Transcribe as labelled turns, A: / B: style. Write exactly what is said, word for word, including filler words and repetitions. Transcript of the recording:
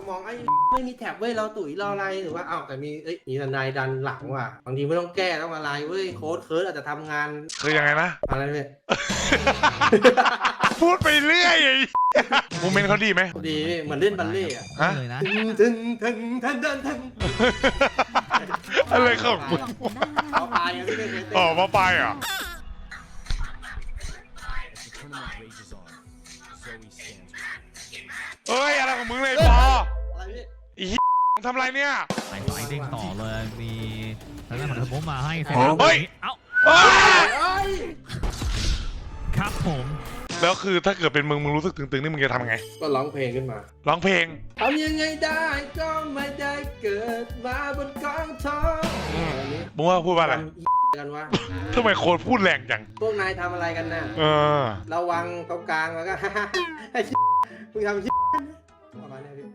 A: มองไอ้ไม่มีแท็บเว้ยเราตุ๋ยรออะไรหรือว่าอ้าวแต่มีเอ้ยมีทนายดันหลังว่ะบางทีไม่ต้องแก้ต้องอะไรเว้ยโค้ดเคิร์ดอาจจะทำงาน
B: คือยังไงนะ
A: อะไรเนี่ย
B: พูดไปเรื่อยโมเมนต์เขาดีไหม
A: ดีเหมือนเล่นบัลเล่ต์อะ
B: ฮะ
C: เลยนะ
A: ถึงถึงถึงถึงถึง
B: อะไรของมึง
A: เอาตายอะพี่ไม่เคยเต้น
B: อ๋อมาไปอ่ะเอ้ยอะไรของมึงเลยปอ
A: อะไรพี่
B: อีทำอะไรเนี่ย
C: ไปต่อไอ้เด้งต่อเลยมีทางด้านของเทอร์โบมาให้เซน
B: เฮ้ย
C: เอ้า
B: เอ้ย
A: เอ้ย
C: ครับผม
B: แล้วคือถ้าเกิดเป็นมึงมึงรู้สึกตึงๆนี่มึงจะทำไง
A: ก็ร้องเพลงขึ้นมา
B: ร้องเพลง
A: ทำยังไงได้ก็ไม่ได้เกิดมาบนกองทอง
B: อืม
A: อันนี้
B: มึงว่าพูดว่าอะไร
A: ทำอีกันวะ
B: ทำไมโค้ดพูดแรงจัง
A: พวกนายทำอะไรกันน่ะ
B: เออ
A: ระวังตรงกลางแล้วก็ ไอ้มึงทำ